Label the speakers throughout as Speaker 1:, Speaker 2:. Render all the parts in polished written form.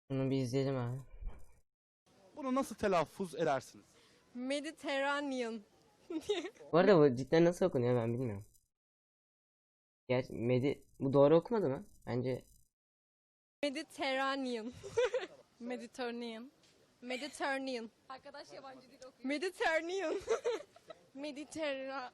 Speaker 1: Bunu bir izleyelim abi.
Speaker 2: Bunu nasıl telaffuz edersiniz?
Speaker 3: Mediterranean.
Speaker 1: Bu arada bu cidden nasıl okunuyor ben bilmiyorum. Gerçi bu doğru okumadı mı? Bence
Speaker 3: Mediterranean. Mediterranean. Mediterranean. Arkadaş yabancı dil okuyor. Mediterranean. Mediterra.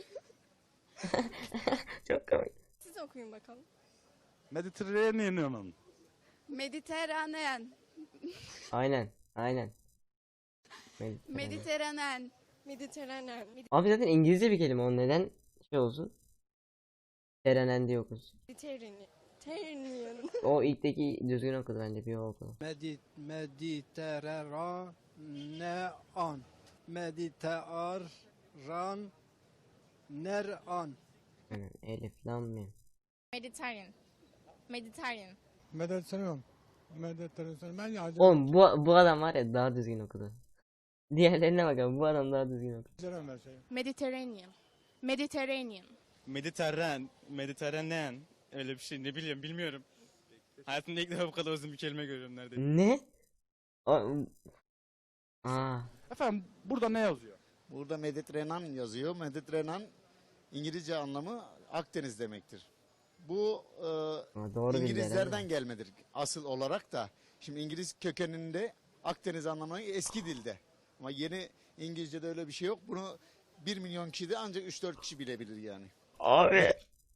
Speaker 1: çok komik.
Speaker 3: Siz okuyun bakalım.
Speaker 2: Mediterranean'ın.
Speaker 4: Mediterranean.
Speaker 1: Aynen. Aynen.
Speaker 4: Mediterranean.
Speaker 3: Mediterranean.
Speaker 1: Abi zaten İngilizce bir kelime o neden şey olsun? Terenen diye okusun.
Speaker 3: Mediterranean.
Speaker 1: O ilkteki düzgün okudu bence bir o okudu.
Speaker 5: Mediterranean. Mediterranean.
Speaker 1: Aynen. Elif lam mim.
Speaker 3: Mediterranean. Mediterranean.
Speaker 6: Mediterranean. Mediterranean. Ben ya
Speaker 1: Oğlum bu adam var ya daha düzgün okudu. Diğerlerine bakalım bu adam daha düzgün okudu.
Speaker 6: Mediterranean her şey.
Speaker 4: Mediterranean. Mediterranean.
Speaker 7: Mediterranean öyle bir şey ne bileyim bilmiyorum. Hayatımda ilk defa bu kadar uzun bir kelime görüyorum neredeyse.
Speaker 1: Ne? Aa.
Speaker 2: Efendim burada ne yazıyor?
Speaker 8: Burada Mediterranean yazıyor. Mediterranean İngilizce anlamı Akdeniz demektir. Bu
Speaker 1: Doğru bildi
Speaker 8: İngilizlerden
Speaker 1: herhalde.
Speaker 8: gelmedir asıl olarak da. Şimdi İngiliz kökeninde Akdeniz anlamı eski dilde. Ama yeni İngilizce'de öyle bir şey yok. Bunu 1 milyon kişi de ancak 3-4 kişi bilebilir yani.
Speaker 1: Abi.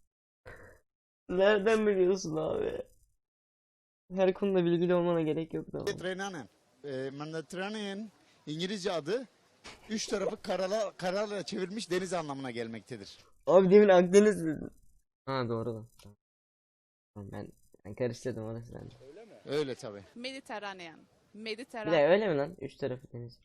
Speaker 1: Nereden biliyorsun abi? Her konuda bilgili olmana gerek yok da.
Speaker 8: Mediterranean. Mediterranean İngilizce adı 3 tarafı karalarla çevirmiş deniz anlamına gelmektedir.
Speaker 1: Abi demin Akdeniz dedin. Ha doğru lan. Tamam, ben karıştırdım orası bende.
Speaker 8: Öyle tabi.
Speaker 4: Mediterranean.
Speaker 1: Bir
Speaker 4: Mediterranean.
Speaker 1: de öyle mi lan? Üç tarafı deniz.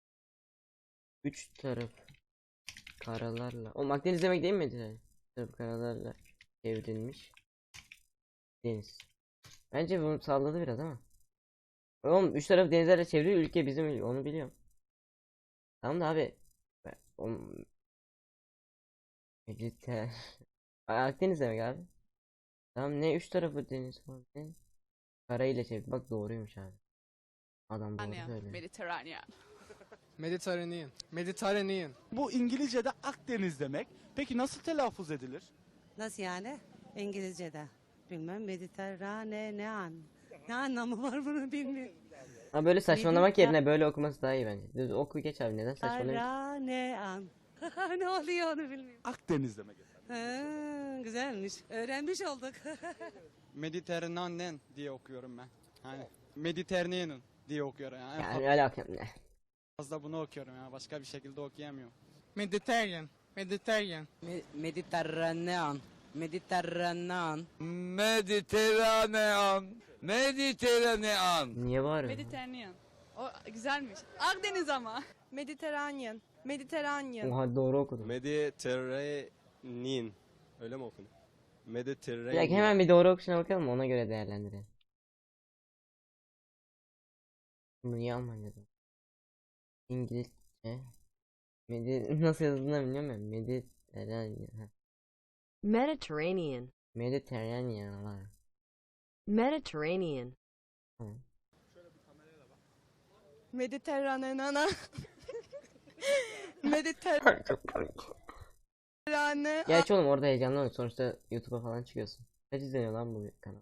Speaker 1: Üç taraf karalarla. Oğlum Akdeniz demek değil miydi? Üç tarafı karalarla çevrilmiş deniz. Bence bunu salladı biraz ama. Oğlum üç tarafı denizlerle çevrili ülke bizim ülke onu biliyorum. Tamam da abi. Oğlum, Mediter. Akdeniz demek abi. Tamam ne üç tarafı deniz falan ne? Karayla çevir. Bak doğruymuş abi. Adam doğru söylüyor.
Speaker 4: Mediterranean.
Speaker 5: Mediterranean. Mediterranean.
Speaker 2: Bu İngilizce'de Akdeniz demek. Peki nasıl telaffuz edilir?
Speaker 9: Nasıl yani? İngilizce'de. Bilmem Mediterranean. Ne anlamı var bunu bilmiyorum.
Speaker 1: Ha böyle saçmalamak yerine böyle okuması daha iyi bence. Düz oku geç abi neden saçmalıyorsun?
Speaker 9: Mediterranean. Ne oluyor onu bilmiyorum.
Speaker 2: Akdeniz demek efendim.
Speaker 9: Ha, güzelmiş. Öğrenmiş olduk.
Speaker 5: Mediterranean diye okuyorum ben. Hani Mediterranean diye okuyorum yani. En
Speaker 1: Yani alakam ne?
Speaker 5: fazla bunu okuyorum ya. Başka bir şekilde okuyamıyorum.
Speaker 6: Mediterranean. Mediterranean.
Speaker 5: Mediterranean. Mediterranean.
Speaker 10: Mediterranean. Mediterranean.
Speaker 1: Niye bağırıyorsun?
Speaker 4: Mediterranean. O güzelmiş. Akdeniz ama.
Speaker 3: Mediterranean. Mediterranean.
Speaker 1: Oha doğru okudum.
Speaker 10: Mediterranean. Öyle mi okunuyor?
Speaker 1: Bir
Speaker 10: Mediterranean.
Speaker 1: dakika hemen bir doğru okuşuna bakalım ona göre değerlendirelim. Bunu niye Almanca'da? İngilizce. Nasıl yazıldığını bilmiyorum ben. Mediterranean.
Speaker 11: Mediterranean.
Speaker 1: Mediterranean var.
Speaker 11: Mediterranean.
Speaker 1: Tamam.
Speaker 3: Mediterranean. Mediterranean.
Speaker 1: Çok komik. Gerçi oğlum orada heyecanlanıyor. Sonuçta YouTube'a falan çıkıyorsun. Kaç izleniyor lan bu kanal?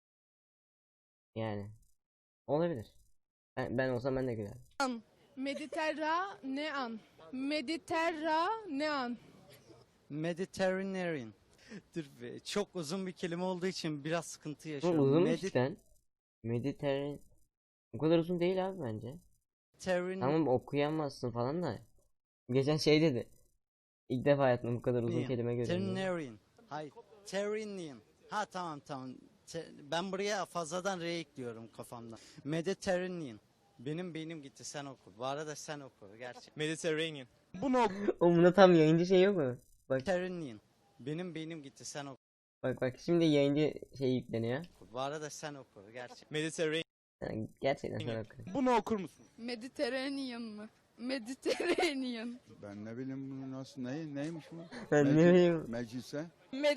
Speaker 1: Yani. Olabilir. Ben olsam ben de gülerim.
Speaker 3: Mediterranean. Mediterranean.
Speaker 5: Mediterranean. Dur be, çok uzun bir kelime olduğu için biraz sıkıntı
Speaker 1: Bu
Speaker 5: yaşıyorum.
Speaker 1: uzunmuş cidden. Mediterranean. O kadar uzun değil abi bence. Tamam okuyamazsın falan da. Geçen şey dedi. İlk defa hayatımda bu kadar uzun kelime görüyorum.
Speaker 5: Terranean. Hayır. Terranean. Ha tamam. Ben buraya fazladan R ekliyorum kafamda. Mediterranean. Benim beynim gitti sen oku. Bu arada sen oku gerçek.
Speaker 10: Mediterranean.
Speaker 2: Bunu
Speaker 1: Oğlum bunda tam yayıncı şey yok mu? Bak
Speaker 5: Mediterranean. Benim beynim gitti sen oku.
Speaker 1: bak şimdi yayıncı şey yükleniyor.
Speaker 5: Bu arada sen oku gerçek.
Speaker 10: Mediterranean.
Speaker 1: Yani gerçekten sen oku.
Speaker 2: bunu okur musunuz?
Speaker 4: Mediterranean mı? Mediterranean.
Speaker 6: Ben ne bileyim bunu nasıl neymiş bu?
Speaker 1: Ben ne bileyim.
Speaker 6: Meclise.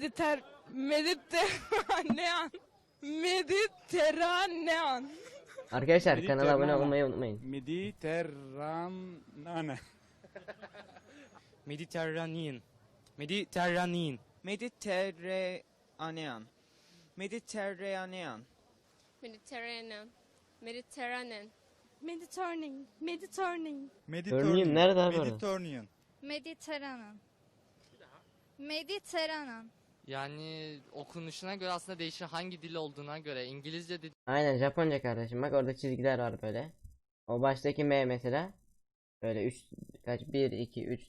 Speaker 3: Mediterranean. Mediterranean.
Speaker 1: Arkadaşlar kanala abone olmayı unutmayın.
Speaker 2: Mediterrane.
Speaker 7: Mediterranean. Mediterranean. Mediterranean. Mediterranean.
Speaker 3: Mediterranean. Mediterranean.
Speaker 4: Mediterranean. Mediterranean.
Speaker 1: Örneğin nerede abi orada?
Speaker 2: Mediterranean.
Speaker 4: Mediterranean. Mediterranean.
Speaker 7: Yani okunuşuna göre aslında değişir, hangi dil olduğuna göre. İngilizce
Speaker 1: Aynen Japonca kardeşim. Bak orada çizgiler var böyle. O baştaki M mesela. Böyle 3 kaç 1 2 3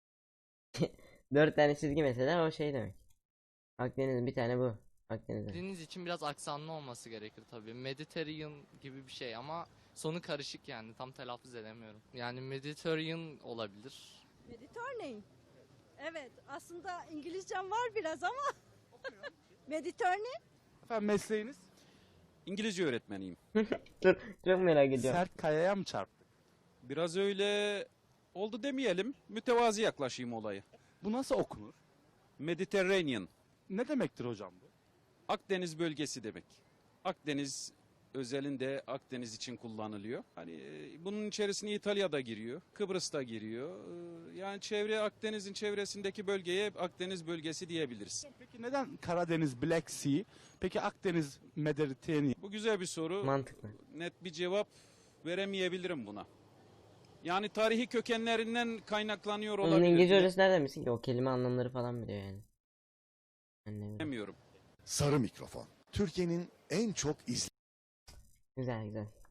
Speaker 1: 4 tane çizgi mesela o şey demek. Akdeniz bir tane bu. Akdeniz'de.
Speaker 7: dediğiniz için biraz aksanlı olması gerekir tabii. Mediterranean gibi bir şey ama sonu karışık, yani tam telaffuz edemiyorum. Yani Mediterranean olabilir.
Speaker 3: Mediterranean. Evet, aslında İngilizcem var biraz ama. Mediterranean.
Speaker 2: Efendim mesleğiniz?
Speaker 10: İngilizce öğretmeniyim.
Speaker 1: Dur çok merak ediyorum.
Speaker 2: Sert kayaya mı çarptık?
Speaker 10: Biraz öyle oldu demeyelim. Mütevazi yaklaşayım olaya.
Speaker 2: Bu nasıl okunur?
Speaker 10: Mediterranean.
Speaker 2: Ne demektir hocam bu?
Speaker 10: Akdeniz bölgesi demek. Akdeniz özelinde Akdeniz için kullanılıyor. Hani bunun içerisine İtalya'da giriyor, Kıbrıs'ta giriyor. Yani çevre Akdeniz'in çevresindeki bölgeye Akdeniz bölgesi diyebiliriz.
Speaker 2: Peki neden Karadeniz Black Sea? Peki Akdeniz Mediterranean?
Speaker 10: Bu güzel bir soru.
Speaker 1: Mantıklı.
Speaker 10: Net bir cevap veremeyebilirim buna. Yani tarihi kökenlerinden kaynaklanıyor
Speaker 1: Onun
Speaker 10: olabilir.
Speaker 1: İngilizce hocası nereden bilsin ki? O kelime anlamları falan biliyor yani. Annem.
Speaker 10: Bilemiyorum.
Speaker 12: Sarı mikrofon. Türkiye'nin en çok
Speaker 1: Güzel güzel.